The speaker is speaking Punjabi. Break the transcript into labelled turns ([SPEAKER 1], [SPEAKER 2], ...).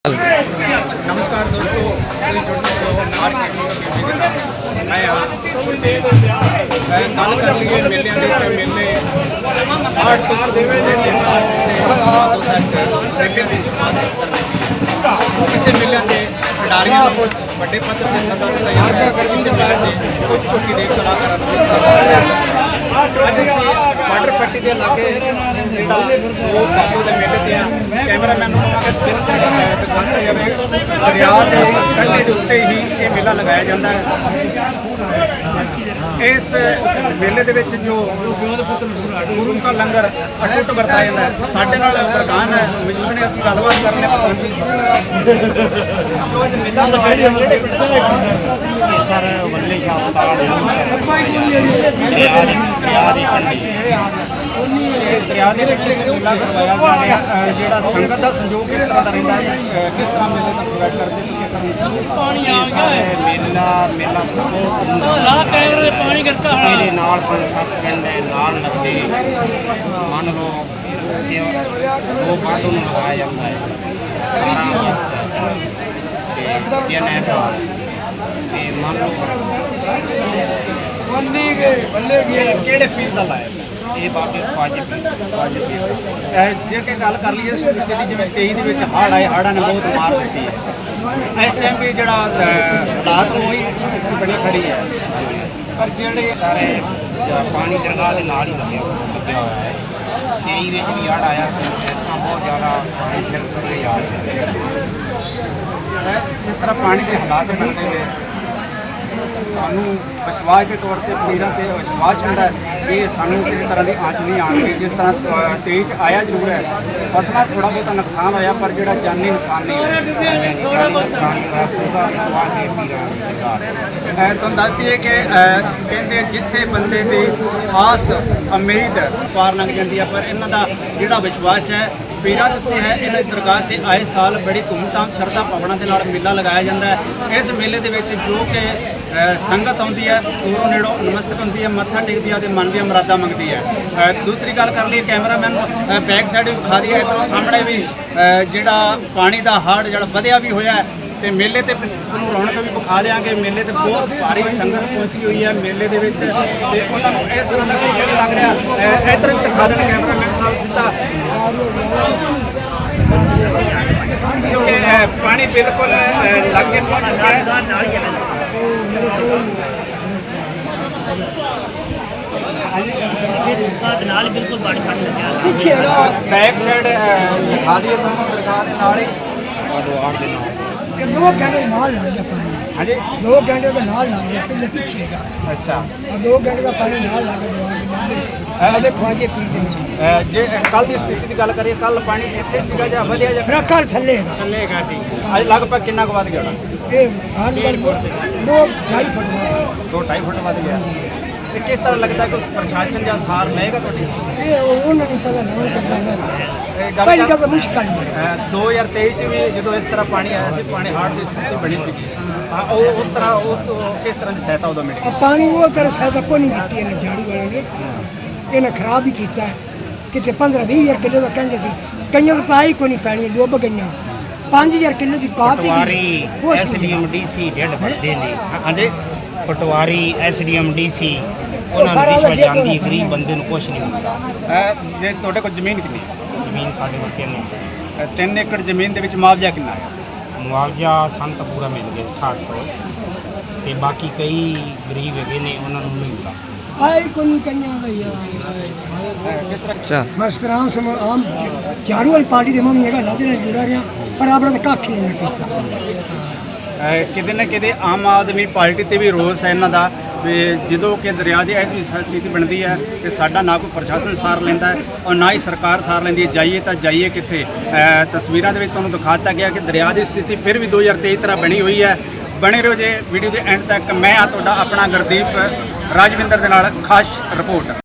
[SPEAKER 1] नमस्कार दोस्तों, मैं यहाँ गल कर लिए मेलिਆਂ ਦੇ ਤੇ मेले 8 ਤੋਂ शुरू होते हैं 8 तक मेलिਆਂ ਦੀ शुरुआत ਕਿਸੇ ਮੇਲਿਆਂ ਦੇ ਖਿਡਾਰੀਆਂ ਨੂੰ ਵੱਡੇ ਪੱਧਰ ਤੇ ਸੱਦਾ ਦਿੱਤਾ ਜਾਂਦਾ ਹੈ। ਕਿਸੇ ਮੇਲੇ ਦੇ ਕੁਝ ਚੋਟੀ ਦੇ ਕਲਾਕਾਰਾਂ ਨੂੰ ਸੱਦਾ ਦਿੱਤਾ ਜਾਂਦਾ ਹੈ। ਅੱਜ ਅਸੀਂ ਬਾਰਡਰ ਪੱਟੀ ਦੇ ਲਾਗੇ ਜਿਹੜਾ ਉਹ ਬਾਬੂ ਦੇ ਮੇਲੇ ਤੇ ਆ ਕੈਮਰਾਮੈਨ ਨੂੰ ਕਹਾਂਗੇ ਬਿਲਕੁਲ ਦਿਖਾਤਾ ਜਾਵੇ। ਦਰਿਆ ਦੇ ਕੰਢੇ ਦੇ ਉੱਤੇ ਹੀ ਇਹ ਮੇਲਾ ਲਗਾਇਆ ਜਾਂਦਾ ਹੈ। ਇਸ ਮੇਲੇ ਦੇ ਵਿੱਚ ਜੋ ਗੁਰੂ ਕਾ ਲੰਗਰ ਅਟੁੱਟ ਵਰਤਾਇਆ ਜਾਂਦਾ ਹੈ। ਸਾਡੇ ਨਾਲ ਪ੍ਰਧਾਨ ਮੌਜੂਦ ਨੇ, ਅਸੀਂ ਗੱਲਬਾਤ ਕਰਨੇ ਪ੍ਰਧਾਨ ਜੀ ਜੋ ਅੱਜ ਮੇਲਾ ਲਗਾਇਆ ਜਾਂਦਾ ਕਿਹੜੇ ਪਿੰਡ ਦਾ?
[SPEAKER 2] ਸਰ ਵੱਲੇ ਸ਼ਾਹ
[SPEAKER 1] ਦਰਿਆ ਦੇ ਕੰਢੇ ਮੇਲਾ ਕਰਵਾਇਆ ਜਾ ਰਿਹਾ। ਜਿਹੜਾ ਸੰਗਤ ਦਾ ਸੰਯੋਗ ਕਿਸ ਤਰ੍ਹਾਂ ਦਾ ਰਹਿੰਦਾ ਹੈ, ਕਿਸ ਤਰ੍ਹਾਂ ਮੇਲੇ ਦਾ ਪ੍ਰੋਵਾਈਡ ਕਰਦੇ
[SPEAKER 2] ਮੇਲਾ ਮੇਰੇ ਨਾਲ 5-7 ਪਿੰਡ ਹੈ ਨਾਲ ਲੱਗਦੇ ਮੰਨ ਲਓ ਉਹ ਬਾਦੋਂ ਨੂੰ ਲਗਾਇਆ ਜਾਂਦਾ ਹੈ 17 ਅਗਸਤ ਤੇ ਮੰਨ ਲਓ
[SPEAKER 1] ਕਿਹੜੇ ਪੀਰ ਦਾ ਲਾਇਆ
[SPEAKER 2] ਇਹ ਬਾਬੇ ਖਵਾਜੇ
[SPEAKER 1] ਜੇ ਕਿ ਗੱਲ ਕਰ ਲਈਏ ਸਥਿਤੀ ਦੀ, ਜਿਵੇਂ 23 ਦੇ ਵਿੱਚ ਹੜ੍ਹ ਆਏ, ਹੜ੍ਹਾਂ ਨੇ ਬਹੁਤ ਮਾਰ ਦਿੱਤੀ ਹੈ। ਇਸ ਟਾਈਮ ਵੀ ਜਿਹੜਾ ਹਾਲਾਤ ਉਹੀ ਸਥਿਤੀ ਬਣੀ ਖੜੀ ਹੈ, ਪਰ ਜਿਹੜੇ
[SPEAKER 2] ਸਾਰੇ ਪਾਣੀ ਦਰਗਾਹ ਦੇ ਨਾਲ ਹੀ ਲੱਗਿਆ ਹੋਇਆ ਹੈ। 23 ਵਿੱਚ ਵੀ ਹੜ੍ਹ ਆਇਆ ਸੀ, ਤਾਂ ਬਹੁਤ ਜ਼ਿਆਦਾ ਪਾਣੀ ਫਿਰ ਕੇ ਆ ਰਿਹਾ
[SPEAKER 1] ਜਿਸ ਤਰ੍ਹਾਂ ਪਾਣੀ ਦੇ ਹਾਲਾਤ ਬਣਦੇ ਨੇ, ਸਾਨੂੰ ਵਿਸ਼ਵਾਸ ਦੇ ਤੌਰ ਤੇ ਪੀਰਾਂ ਤੇ ਵਿਸ਼ਵਾਸ ਹੁੰਦਾ ਹੈ ਕਿ ਸਾਨੂੰ ਕਿਸੇ ਤਰ੍ਹਾਂ ਦੀ ਆਂਚ ਨਹੀਂ ਆਉਣਗੇ। ਜਿਸ ਤਰ੍ਹਾਂ 23 ਚ ਆਇਆ ਜ਼ਰੂਰ ਹੈ, ਫਸਲਾਂ ਥੋੜਾ ਬਹੁਤਾ ਨੁਕਸਾਨ ਹੋਇਆ, ਪਰ ਜਿਹੜਾ ਜਾਨੀ ਨੁਕਸਾਨ ਨਹੀਂ ਹੋਇਆ। ਤੁਹਾਨੂੰ ਦੱਸ ਦਈਏ ਕਿ ਕਹਿੰਦੇ ਜਿੱਥੇ ਬੰਦੇ ਦੀ ਆਸ ਉਮੀਦ ਪਾਰ ਲੰਘ ਜਾਂਦੀ ਹੈ, ਪਰ ਇਹਨਾਂ ਦਾ ਜਿਹੜਾ ਵਿਸ਼ਵਾਸ ਹੈ ਪੀਰਾਂ ਦੇ ਉੱਤੇ ਹੈ। ਇਹਨਾਂ ਦੀ ਦਰਗਾਹ ਤੇ ਆਏ ਸਾਲ ਬੜੀ ਧੂਮਧਾਮ ਸ਼ਰਧਾ ਭਾਵਨਾ ਦੇ ਨਾਲ ਮੇਲਾ ਲਗਾਇਆ ਜਾਂਦਾ ਹੈ। ਇਸ ਮੇਲੇ ਦੇ ਵਿੱਚ ਜੋ ਕਿ ਸੰਗਤ ਆਉਂਦੀ ਹੈ, ਦੂਰੋਂ ਨੇੜੋਂ ਨਮਸਤਕ ਹੁੰਦੀ ਹੈ, ਮੱਥਾ ਟੇਕਦੀ ਹੈ ਤੇ ਮਨ ਦੀਆਂ ਮੁਰਾਦਾਂ ਮੰਗਦੀ ਹੈ। ਦੂਸਰੀ ਗੱਲ ਕਰ ਲਈਏ, ਕੈਮਰਾਮੈਨ ਨੂੰ ਬੈਕ ਸਾਈਡ ਵੀ ਵਿਖਾ ਦਈਏ, ਇੱਧਰੋਂ ਸਾਹਮਣੇ ਵੀ ਜਿਹੜਾ ਪਾਣੀ ਦਾ ਹੜ੍ਹ ਜਿਹੜਾ ਵਧਿਆ ਵੀ ਹੋਇਆ ਤੇ ਮੇਲੇ ਤੇ ਤੁਹਾਨੂੰ ਰੌਣਕ ਵੀ ਵਿਖਾ ਦਿਆਂਗੇ। ਮੇਲੇ ਤੇ ਬਹੁਤ ਭਾਰੀ ਸੰਗਤ ਪਹੁੰਚੀ ਹੋਈ ਹੈ ਮੇਲੇ ਦੇ ਵਿੱਚ, ਤੇ ਉਹਨਾਂ ਨੂੰ ਇਸ ਤਰ੍ਹਾਂ ਦਾ ਕੋਈ ਨਹੀਂ ਲੱਗ ਰਿਹਾ। ਇੱਧਰ ਵੀ ਦਿਖਾ ਦੇਣ ਕੈਮਰਾਮੈਨ ਸਾਹਿਬ ਸਿੱਧਾ, ਕਿਉਂਕਿ ਪਾਣੀ ਬਿਲਕੁਲ ਲਾਗੇ ਪਹੁੰਚ ਚੁੱਕਾ ਹੈ। ਪਿੱਛੇ ਬੈਕ ਸਾਈਡ ਦਿਖਾ ਦਈਏ ਤੁਹਾਨੂੰ ਦਰਗਾਹ ਦੇ ਨਾਲ ਹੀ।
[SPEAKER 3] दो घंटे नाल लग गया पानी।
[SPEAKER 1] हाँ जी,
[SPEAKER 3] 2 घंटे का नाल लग गया, पहले पीछे का
[SPEAKER 1] अच्छा।
[SPEAKER 3] और 2 घंटे का पानी नाल लग गया। अबे ख्वाजे पीर के नाल
[SPEAKER 1] ਜੇ ਕੱਲ ਦੀ ਸਥਿਤੀ ਦੀ ਗੱਲ ਕਰੀਏ, ਕੱਲ ਪਾਣੀ ਇੱਥੇ ਸੀਗਾ ਜਾਂ ਵਧਿਆ ਜਾਂ
[SPEAKER 3] मेरा कल थल्ले का
[SPEAKER 1] ਥੱਲੇ ਹੈਗਾ ਸੀ? ਅੱਜ ਲਗਭਗ ਕਿੰਨਾ ਕੁ ਵੱਧ ਗਿਆ ਹੋਣਾ?
[SPEAKER 3] ये हाथ पर 2-2.5 फुट का
[SPEAKER 1] 2-2.5 ਫੁੱਟ ਵੱਧ ਗਿਆ। ਤੇ ਕਿਸ ਤਰ੍ਹਾਂ ਲੱਗਦਾ ਕਿ ਪ੍ਰਸ਼ਾਸਨ ਜਾਂ ਸਾਰ ਲਏਗਾ ਤੁਹਾਡੀ?
[SPEAKER 3] ये उन्होंने पता नहीं चलना
[SPEAKER 1] ਇਹ
[SPEAKER 3] पहली
[SPEAKER 1] ਗੱਲ
[SPEAKER 3] का मुश्किल है।
[SPEAKER 1] 2023 ਚ ਵੀ ਜਦੋਂ ਇਸ ਤਰ੍ਹਾਂ ਪਾਣੀ ਆਇਆ ਸੀ, ਪਾਣੀ ਹੜ੍ਹ ਦੀ ਸਥਿਤੀ ਬਣੀ ਸੀਗੀ, ਹਾਂ ਉਹ ਉਸ ਤਰ੍ਹਾਂ ਕਿਸ ਤਰ੍ਹਾਂ ਦੀ ਸਹਾਇਤਾ ਉਦੋਂ ਮਿਲੀ?
[SPEAKER 3] अब पानी वो तरह सहायता को नहीं दी है झाड़ी वाले ने, इन्हें खराब ही किया कि 15-20 किलो का कहते थे, कई तो आई को नहीं पैनी, डुब गई 5000 किलो की बात
[SPEAKER 2] ਪਟਵਾਰੀ ਐਸਡੀਐਮ ਡੀਸੀ ਡੇਢ ਵੱਡੇ ਨੇ।
[SPEAKER 1] ਹਾਂਜੀ,
[SPEAKER 2] ਪਟਵਾਰੀ ਐਸਡੀਐਮ ਡੀਸੀ ਉਹਨਾਂ ਨੂੰ ਰਿਸ਼ਵਤ ਜਾਂਦੀ ਹੈ, ਗਰੀਬ ਬੰਦੇ ਨੂੰ ਕੁਛ ਨਹੀਂ ਮਿਲਦਾ।
[SPEAKER 1] ਜੇ ਤੁਹਾਡੇ ਕੋਲ ਜ਼ਮੀਨ ਕਿੰਨੀ?
[SPEAKER 2] ਜ਼ਮੀਨ ਸਾਡੇ ਕੋਲ
[SPEAKER 1] 3 ਏਕੜ ਜ਼ਮੀਨ ਦੇ ਵਿੱਚ ਮੁਆਵਜ਼ਾ ਕਿੰਨਾ ਹੈ?
[SPEAKER 2] ਮੁਆਵਜ਼ਾ ਸਾਨੂੰ ਤਾਂ ਪੂਰਾ ਮਿਲ ਗਿਆ 800, ਤੇ ਬਾਕੀ ਕਈ ਗਰੀਬ ਹੈਗੇ ਨੇ ਉਹਨਾਂ ਨੂੰ ਨਹੀਂ ਮਿਲਦਾ।
[SPEAKER 3] आई को नहीं कन्या भैया
[SPEAKER 1] ਕਿਸ ਤਰ੍ਹਾਂ?
[SPEAKER 3] बस राम सम आम झाड़ू वाली पार्टी के मम्मी है लादे ने जुड़ा रहा, पर आपने तो कख नहीं किया।
[SPEAKER 1] ਕਿਤੇ ਨਾ ਕਿਤੇ ਆਮ ਆਦਮੀ ਪਾਰਟੀ ਤੇ ਵੀ ਰੋਸ ਹੈ ਇਹਨਾਂ ਦਾ, ਵੀ ਜਦੋਂ ਕਿ ਦਰਿਆ ਦੀ ਐਸੀ ਸਥਿਤੀ ਬਣਦੀ ਹੈ ਕਿ ਸਾਡਾ ਨਾ ਕੋਈ ਪ੍ਰਸ਼ਾਸਨ ਸਾਰ ਲੈਂਦਾ ਹੈ ਔਰ ਨਾ ਹੀ ਸਰਕਾਰ ਸਾਰ ਲੈਂਦੀ ਹੈ। ਜਾਈਏ ਤਾਂ ਜਾਈਏ ਕਿੱਥੇ? ਤਸਵੀਰਾਂ ਦੇ ਵਿੱਚ ਤੁਹਾਨੂੰ ਦਿਖਾ ਦਿੱਤਾ ਗਿਆ ਕਿ ਦਰਿਆ ਦੀ ਸਥਿਤੀ ਫਿਰ ਵੀ 2023 ਤਰ੍ਹਾਂ ਬਣੀ ਹੋਈ ਹੈ। ਬਣੇ ਰਹੋ ਜੇ ਵੀਡੀਓ ਦੇ ਐਂਡ ਤੱਕ। ਮੈਂ ਆ ਤੁਹਾਡਾ ਆਪਣਾ ਗੁਰਦੀਪ ਰਾਜਵਿੰਦਰ ਦੇ ਨਾਲ ਖਾਸ ਰਿਪੋਰਟ।